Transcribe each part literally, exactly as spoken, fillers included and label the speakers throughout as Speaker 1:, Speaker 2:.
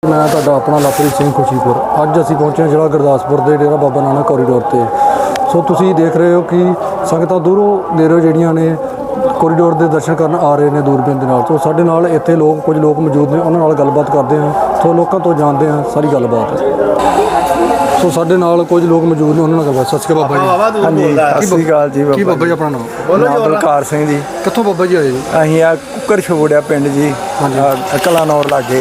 Speaker 1: मैं तुहाडा अपना लवप्रीत सिंह खुशीपुर। अज असीं पहुंचे जिला गुरदासपुर के डेरा बाबा नानक कॉरीडोर से। सो तुसीं देख रहे हो कि संगतां दूरों नेड़ों जिहड़ियां ने कॉरीडोर के दर्शन करन आ रहे हैं दूरबीन के नाल। तो साडे नाल इत्थे लोग कुछ लोग मौजूद ने, उन्हां नाल गलबात करते हैं। सो लोगों तो जानते हैं सारी गलबात। सो साडे नाल कुछ लोग मौजूद ने, उन्हां नाल गलबात। सत श्री अकाल बाबा जी।
Speaker 2: हाँ जी, सत श्री अकाल जी।
Speaker 1: की बाबा जी अपना नाम?
Speaker 2: नाम बलकार सिंह जी।
Speaker 1: कित्थों बाबा जी आए जी?
Speaker 2: असीं आ कुक्कर छबोड़िया पिंड जी, कलानौर लागे।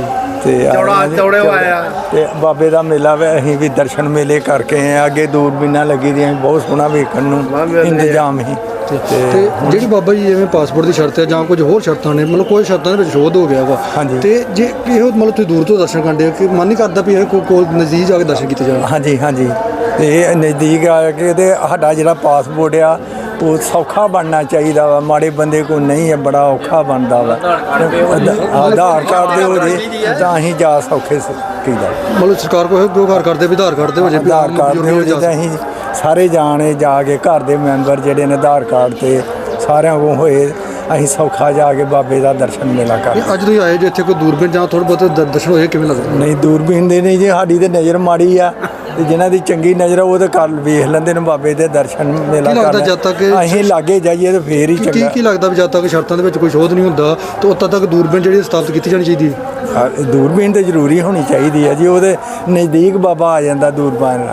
Speaker 2: ते बाबे का मेला वे, असीं भी दर्शन मेले करके आए। अगे दूरबीनां लगी दी, बहुत सोहना वेखण नूं इंतजाम ही।
Speaker 1: जी बाबा जी जिवें पासपोर्ट की शर्त है, कुछ होर शर्तां ने, मतलब कोई शर्तां दे शोध हो गया वा।
Speaker 2: हाँ जी।
Speaker 1: तो जे मतलब तुसीं दूर तो दर्शन करदे हो कि मन नहीं करदा भी कोल नज़दीक जाके दर्शन किए जाए?
Speaker 2: हाँ जी, हाँ जी। ते नज़दीक आके ते साडा जिहड़ा पासपोर्ट आ वो सौखा बनना चाहिए वा। माड़े बंदे को नहीं है, बड़ा औखा बनता वा। आधार कार्ड दे हो जे तां असीं जा सौखे कीदा।
Speaker 1: मतलब सरकार को व्यवहार करते भी आधार कार्ड दे हो जे,
Speaker 2: आधार कार्ड दे हो जे तां असीं सारे जाने जाके घर के मैंबर जिहड़े ने आधार कार्ड ते सारिਆਂ को होए असीं सौखा जाके बाबे का दर्शन मेला कर।
Speaker 1: अज तुसीं आए जे इत्थे कोई दूरबीन जां थोड़े बहुत दर्शन होए किवें लगदा?
Speaker 2: नहीं दूरबीन दे नहीं जी, साडी ते नज़र माड़ी आ। जिन्हां दी चंगी नज़र वो तो कर वेख लैंदे ने बाबे दे दर्शन मेला कर।
Speaker 1: जद तक
Speaker 2: असीं लागे जाइए तो फिर ही चंगा।
Speaker 1: की लगदा भी जद तक शर्तां दे विच कोई शोध नहीं हुंदा तो उद तक दूरबीन जिहड़ी स्थापित कीती जानी चाहिदी है?
Speaker 2: दूरबीन तो जरूरी होनी चाहिए है जी, वो नज़दीक बाबा आ जाता दूरबीन।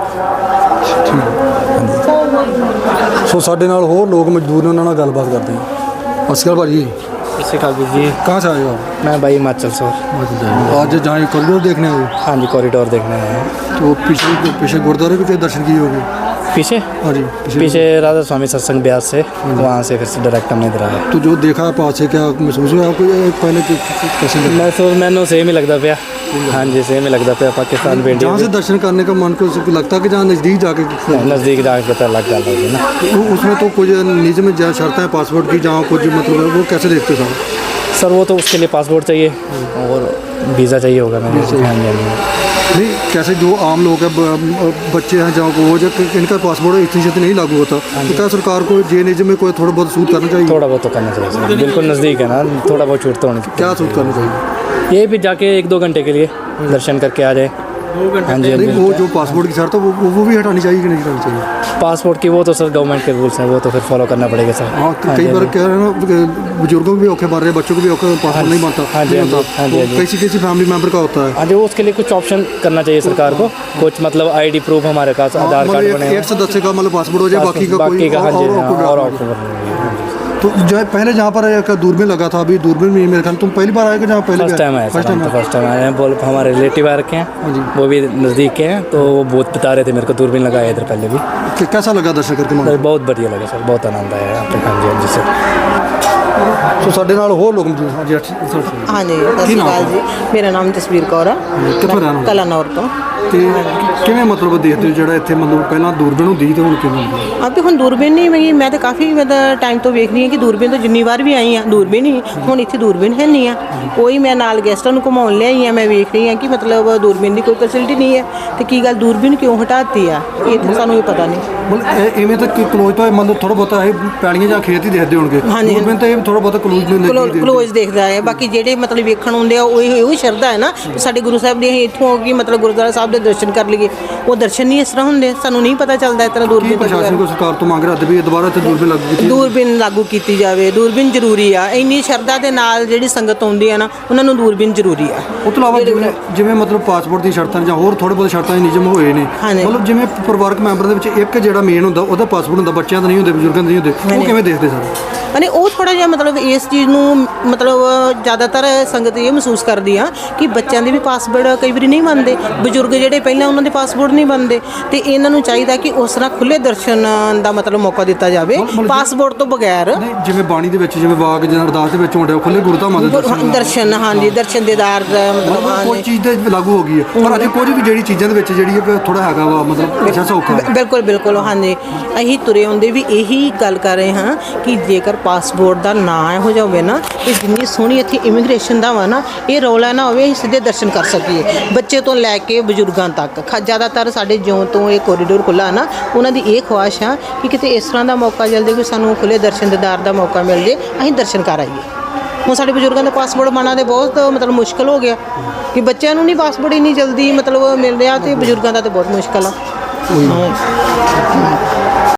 Speaker 1: सो साडे नाल होर लोग मजदूर ने, उन्हां नाल गलबात करते हैं। सत श्री अकाल भाजी।
Speaker 3: सत श्री अकाल जी।
Speaker 1: कहाँ से आए हो आप?
Speaker 3: मैं भाई हिमाचल से।
Speaker 1: आज जहाँ कॉरिडोर देखने आए?
Speaker 3: हाँ जी, कॉरिडोर देखने आए हैं।
Speaker 1: तो पीछे पीछे गुरुद्वारे भी कई दर्शन किए होंगे?
Speaker 3: पीछे?
Speaker 1: हाँ जी,
Speaker 3: पीछे, पीछे राधा स्वामी सत्संग ब्यास से, वहाँ से फिर से डायरेक्ट हमने इधर आया।
Speaker 1: तो जो देखा है पास से, क्या महसूस हुआ आपको पहले कैसे?
Speaker 3: महसूस मैंने सेम ही लगता पाया। हाँ जी, सेम ही लगता पाया। पाकिस्तान पे
Speaker 1: जहाँ से दर्शन करने का मन को लगता है कि जहाँ नज़दीक जाके
Speaker 3: नज़दीक जाके पता लग जाता है ना।
Speaker 1: उसमें तो कुछ निजी में जहाँ शर्तें हैं पासपोर्ट की, जहाँ कुछ मतलब वो कैसे देखते हो
Speaker 3: सर? वो तो उसके लिए पासपोर्ट चाहिए और वीज़ा चाहिए होगा मैंने।
Speaker 1: नहीं, कैसे जो आम लोग हैं, बच्चे हैं जहाँ को वो जो इनका पासपोर्ट इतनी छेती नहीं लागू होता, तो क्या सरकार को जे निजी में कोई थोड़ा बहुत सूट करना चाहिए?
Speaker 3: थोड़ा बहुत तो करना चाहिए सर, बिल्कुल नज़दीक है ना, थोड़ा बहुत छूट तो होनी चाहिए।
Speaker 1: क्या सूट करना चाहिए?
Speaker 3: ये भी जाके एक दो घंटे के लिए दर्शन करके आ जाए। हाँ जी,
Speaker 1: नहीं वो जो पासपोर्ट की शर्त है वो वो भी हटानी चाहिए कि नहीं हटानी चाहिए?
Speaker 3: पासपोर्ट की वो तो सर गवर्नमेंट के रूल्स हैं, वो तो फिर फॉलो करना पड़ेगा सर।
Speaker 1: हाँ, कई बार कह रहे हैं ना, बुजुर्गों को भी औखे मार रहे हैं, बच्चों को भी औखे, पासपोर्ट नहीं बनता।
Speaker 3: हाँ जी, हाँ जी,
Speaker 1: किसी किसी फैमिली मेंबर का होता है।
Speaker 3: हाँ जी, उसके लिए कुछ ऑप्शन करना चाहिए सरकार को, कुछ मतलब आईडी प्रूफ हमारे पास आधार कार्ड बने,
Speaker 1: एक सदस्य का मतलब पासपोर्ट हो जाए, बाकी का
Speaker 3: बाकी का हाँ जी और
Speaker 1: तो जो है पहले जहाँ पर एक दूरबीन लगा था, अभी दूरबीन में मेरे ख्याल तुम पहली बार आए कि जहाँ पहले?
Speaker 3: फर्स्ट टाइम आए, फर्स्ट टाइम फर्स्ट टाइम आए हैं। बोल हमारे रिलेटिव आ रखे हैं, वो भी नज़दीक के हैं, तो वो बहुत बता रहे थे मेरे को दूरबीन लगाया इधर पहले भी।
Speaker 1: कैसा लगा दर्शन करके?
Speaker 3: बहुत बढ़िया लगा सर, बहुत आनंद आया यहाँ पे। हाँ जी, हाँ जी सर।
Speaker 1: तो साडे नाल होर लोग मौजूद। हाँ जी,
Speaker 4: हाँ जी, सत श्री अकाल जी। मेरा नाम जसवीर कौर है,
Speaker 1: कित्थों रहने वाले?
Speaker 4: कलानौर तो।
Speaker 1: ਤੇ ਕਿਵੇਂ ਮਤਲਬ ਦੇਖਦੇ ਹੋ ਜਿਹੜਾ ਇੱਥੇ ਮਤਲਬ ਪਹਿਲਾਂ ਦੂਰਬੀਨ ਹੁੰਦੀ ਤੇ ਹੁਣ ਕਿਵੇਂ ਹੁੰਦੀ?
Speaker 4: अब ਹੁਣ ਦੂਰਬੀਨ ਨਹੀਂ ਮੈਂ ਮੈਂ ਤਾਂ ਕਾਫੀ ਮਤਲਬ ਟਾਈਮ ਤੋਂ ਵੇਖ ਰਹੀ ਹਾਂ ਕਿ ਦੂਰਬੀਨ ਤੋਂ ਜਿੰਨੀ ਵਾਰ ਵੀ ਆਈ ਆ ਦੂਰਬੀਨ ਹੀ, ਹੁਣ ਇੱਥੇ ਦੂਰਬੀਨ ਹੈ ਨਹੀਂ ਆ ਕੋਈ। ਮੈਂ ਨਾਲ ਗੈਸਟਾਂ ਨੂੰ ਘੁਮਾਉਣ ਲਿਆਈ ਆ, ਮੈਂ ਵੇਖ ਰਹੀ ਹਾਂ ਕਿ ਮਤਲਬ ਦੂਰਬੀਨ ਦੀ ਕੋਈ ਫੈਸਿਲਿਟੀ ਨਹੀਂ ਹੈ ਤੇ ਕੀ ਗੱਲ ਦੂਰਬੀਨ ਕਿਉਂ ਹਟਾਤੀ ਆ, ਇਹ ਤਾਂ ਸਾਨੂੰ ਇਹ ਪਤਾ ਨਹੀਂ।
Speaker 1: ਮਤਲਬ ਇਵੇਂ ਤਾਂ ਕਲੋਜ਼ ਤੋਂ ਮਤਲਬ ਥੋੜਾ ਬਹੁਤਾ ਇਹ ਪੈਲੀਆਂ ਜਾਂ ਖੇਤ ਹੀ ਦੇਖਦੇ ਹੋਣਗੇ, ਦੂਰਬੀਨ ਤਾਂ ਇਹ ਥੋੜਾ ਬਹੁਤਾ ਕਲੋਜ਼ ਨੂੰ ਲੱਗੀ
Speaker 4: ਕਲੋਜ਼ ਦੇਖਦਾ ਹੈ। ਬਾਕੀ ਜਿਹੜੇ ਮਤਲਬ ਵੇਖਣ ਹੁੰਦੇ ਆ ਉਹ ਇਹੋ ਸ਼ਰਧਾ ਹੈ ਨਾ, ਸਾਡੇ ਗੁਰੂ ਸਾਹਿਬ ਦੀ ਅਸੀਂ ਇੱਥੋਂ ਹੋ ਕੇ ਮਤਲਬ ਗੁਰਦੁਆਰਾ ਸਾਹਿਬ ਦੇ ਦਰਸ਼ਨ ਕਰ ਲਈਏ, ਉਹ ਦਰਸ਼ਨ ਨਹੀਂ ਇਸ ਤਰ੍ਹਾਂ ਹੁੰਦੇ, ਸਾਨੂੰ ਨਹੀਂ ਪਤਾ ਚੱਲਦਾ ਇਸ ਤਰ੍ਹਾਂ ਦੂਰਬੀਨ।
Speaker 1: ਪ੍ਰਸ਼ਾਸਨ ਕੋ ਸਰਕਾਰ ਤੋਂ ਮੰਗ ਰਿਹਾ ਵੀ ਦੁਬਾਰਾ ਇੱਥੇ ਦੂਰਬੀਨ ਲਾਗੂ ਕੀਤੀ
Speaker 4: ਦੂਰਬੀਨ ਲਾਗੂ ਕੀਤੀ ਜਾਵੇ। ਦੂਰਬੀਨ ਜ਼ਰੂਰੀ ਆ, ਇੰਨੀ ਸ਼ਰਧਾ ਦੇ ਨਾਲ ਜਿਹੜੀ ਸੰਗਤ ਆਉਂਦੀ ਆ ਨਾ ਉਹਨਾਂ ਨੂੰ ਦੂਰਬੀਨ ਜ਼ਰੂਰੀ ਆ।
Speaker 1: ਉਹ ਤੋਂ ਇਲਾਵਾ ਜਿਵੇਂ ਜਿਵੇਂ ਮਤਲਬ ਪਾਸਪੋਰਟ ਦੀ ਸ਼ਰਤਾਂ ਜਾਂ ਹੋਰ ਥੋੜੇ ਬਹੁਤ ਸ਼ਰਤਾਂ ਦੇ ਨਿਯਮ ਹੋਏ ਨੇ, ਮਤਲਬ ਜਿਵੇਂ ਪਰਿਵਾਰਕ ਮੈਂਬਰ ਦੇ ਵਿੱਚ ਇੱਕ ਜਿਹੜਾ ਮੇਨ ਹੁੰਦਾ ਉਹਦਾ ਪਾਸਪੋਰਟ ਹੁੰਦਾ, ਬੱਚਿਆਂ ਦਾ ਨਹੀਂ ਹੁੰਦੇ, ਬਜ਼ੁਰਗਾਂ ਦੇ ਨਹੀਂ ਹੁੰਦੇ, ਉਹ ਕਿਵੇਂ ਦੇਖਦੇ ਸਰ?
Speaker 4: ਅਨੇ ਉਹ ਥੋੜ੍ਹਾ ਜਿਹਾ ਮਤਲਬ ਇਸ ਚੀਜ਼ ਨੂੰ ਮਤਲਬ ਜ਼ਿਆਦਾਤਰ ਸੰਗਤ ਇਹ ਮਹਿਸੂਸ ਕਰਦੀ ਆ ਕਿ ਬੱਚਿਆਂ ਦੇ ਵੀ ਪਾਸਪੋਰਟ ਕਈ ਵਾਰੀ ਨਹੀਂ ਬਣਦੇ, ਬਜ਼ੁਰਗ ਜਿਹੜੇ ਪਹਿਲਾਂ ਉਹਨਾਂ ਦੇ ਪਾਸਪੋਰਟ ਨਹੀਂ ਬਣਦੇ, ਤੇ ਇਹਨਾਂ ਨੂੰ ਚਾਹੀਦਾ ਕਿ ਉਸ ਤਰ੍ਹਾਂ ਖੁੱਲ੍ਹੇ ਦਰਸ਼ਨ ਦਾ ਮਤਲਬ ਮੌਕਾ ਦਿੱਤਾ ਜਾਵੇ ਪਾਸਪੋਰਟ ਤੋਂ ਬਗੈਰ।
Speaker 1: ਜਿਵੇਂ ਬਾਣੀ ਦੇ ਵਿੱਚ ਜਿਵੇਂ ਵਾਕ ਜਾਂ ਅਰਦਾਸ ਦੇ ਵਿੱਚ ਹੁੰਦੇ ਖੁੱਲ੍ਹੇ ਗੁਰਧਾਮਾਂ ਦੇ ਦਰਸ਼ਨ
Speaker 4: ਦਰਸ਼ਨ ਹਾਂਜੀ, ਦਰਸ਼ਨ ਦੇਦਾਰ ਮਤਲਬ
Speaker 1: ਕੋਈ ਚੀਜ਼ ਤੇ ਲਾਗੂ ਹੋ ਗਈ ਹੈ, ਪਰ ਅਜੇ ਕੁਝ ਵੀ ਜਿਹੜੀ ਚੀਜ਼ਾਂ ਦੇ ਵਿੱਚ ਜਿਹੜੀ ਹੈ ਥੋੜਾ ਹੈਗਾ ਵਾ ਮਤਲਬ ਅੱਛਾ ਸੌਖਾ।
Speaker 4: ਬਿਲਕੁਲ ਬਿਲਕੁਲ ਹਾਂਜੀ, ਅਸੀਂ ਤੁਰੇ ਆਉਂਦੇ ਵੀ ਇਹੀ ਗੱਲ ਕਰ ਰਹੇ ਹਾਂ ਕਿ ਜੇਕਰ ਪਾਸਪੋਰਟ ਦਾ ਨਾਂ ਇਹੋ ਜਿਹਾ ਹੋਵੇ ਨਾ, ਕਿ ਜਿੰਨੀ ਸੋਹਣੀ ਇੱਥੇ ਇਮੀਗ੍ਰੇਸ਼ਨ ਦਾ ਵਾ ਨਾ, ਇਹ ਰੌਲਾ ਨਾ ਹੋਵੇ, ਅਸੀਂ ਸਿੱਧੇ ਦਰਸ਼ਨ ਕਰ ਸਕੀਏ ਬੱਚੇ ਤੋਂ ਲੈ ਕੇ ਬਜ਼ੁਰਗਾਂ ਤੱਕ। ਜ਼ਿਆਦਾਤਰ ਸਾਡੇ ਜਿਉਂ ਤੋਂ ਇਹ ਕੋਰੀਡੋਰ ਖੁੱਲ੍ਹਾ ਨਾ, ਉਹਨਾਂ ਦੀ ਇਹ ਖੁਆਇਸ਼ ਆ ਕਿ ਕਿਤੇ ਇਸ ਤਰ੍ਹਾਂ ਦਾ ਮੌਕਾ ਜਲਦੀ ਕੋਈ ਸਾਨੂੰ ਖੁੱਲ੍ਹੇ ਦਰਸ਼ਨ ਦੀਦਾਰ ਦਾ ਮੌਕਾ ਮਿਲ ਜੇ, ਅਸੀਂ ਦਰਸ਼ਨ ਕਰ ਆਈਏ। ਹੁਣ ਸਾਡੇ ਬਜ਼ੁਰਗਾਂ ਦਾ ਪਾਸਪੋਰਟ ਬਣਨਾ ਤੇ ਬਹੁਤ ਮਤਲਬ ਮੁਸ਼ਕਲ ਹੋ ਗਿਆ ਕਿ ਬੱਚਿਆਂ ਨੂੰ ਨਹੀਂ ਪਾਸਪੋਰਟ ਇੰਨੀ ਜਲਦੀ ਮਤਲਬ ਮਿਲ ਰਿਹਾ ਤੇ ਬਜ਼ੁਰਗਾਂ ਦਾ ਤੇ ਬਹੁਤ ਮੁਸ਼ਕਲ ਆ।